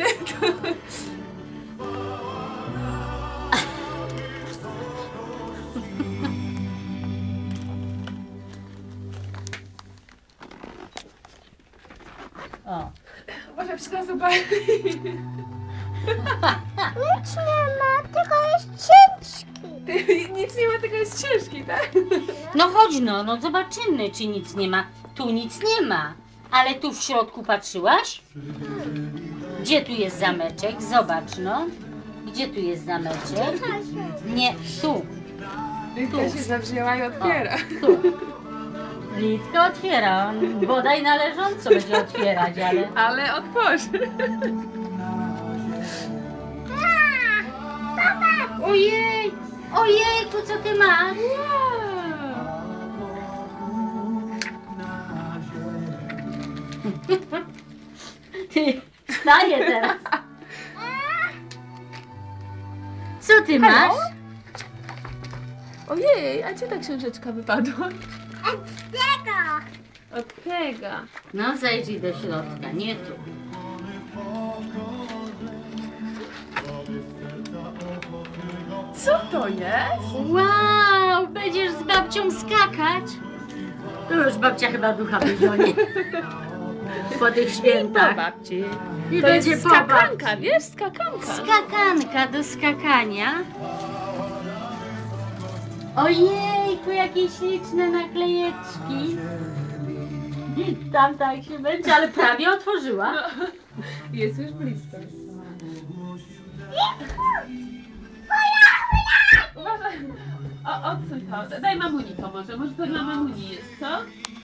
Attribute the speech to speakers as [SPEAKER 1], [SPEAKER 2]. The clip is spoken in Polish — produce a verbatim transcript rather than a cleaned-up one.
[SPEAKER 1] wody.
[SPEAKER 2] O.
[SPEAKER 1] Może wszystko zobaczyć.
[SPEAKER 3] Nic nie ma, tylko jest ciężki.
[SPEAKER 1] Nic nie ma, tylko jest ciężki, tak?
[SPEAKER 2] No chodź no, no zobaczymy, czy nic nie ma. Tu nic nie ma. Ale tu w środku patrzyłaś? Gdzie tu jest zameczek? Zobacz no. Gdzie tu jest zameczek? Nie, tu.
[SPEAKER 1] Litka się zawzięła i otwiera.
[SPEAKER 2] O, tu. Litka otwiera. Bodaj należąco będzie otwierać, ale...
[SPEAKER 1] Ale otworzy.
[SPEAKER 2] Ojej! Ojejku, co ty masz? Ty, wstaję teraz. Co ty masz?
[SPEAKER 1] Ojej, a gdzie ta książeczka wypadła?
[SPEAKER 3] Tego.
[SPEAKER 1] Od tego.
[SPEAKER 2] No zajrzyj do środka, nie tu.
[SPEAKER 1] Co to jest?
[SPEAKER 2] Wow, będziesz z babcią skakać? To już babcia chyba ducha wyzionie. Po tych
[SPEAKER 1] Po
[SPEAKER 2] świętach.
[SPEAKER 1] babci.
[SPEAKER 2] I
[SPEAKER 1] To
[SPEAKER 2] będzie
[SPEAKER 1] jest
[SPEAKER 2] po
[SPEAKER 1] skakanka,
[SPEAKER 2] babci.
[SPEAKER 1] wiesz, skakanka.
[SPEAKER 2] Skakanka do skakania. Ojejku, jakie śliczne naklejeczki. Tam tak się będzie, ale prawie otworzyła.
[SPEAKER 1] Jest już blisko. Uważaj. O, odsuń to. Daj mamuni to może. Może to dla mamuni jest, co?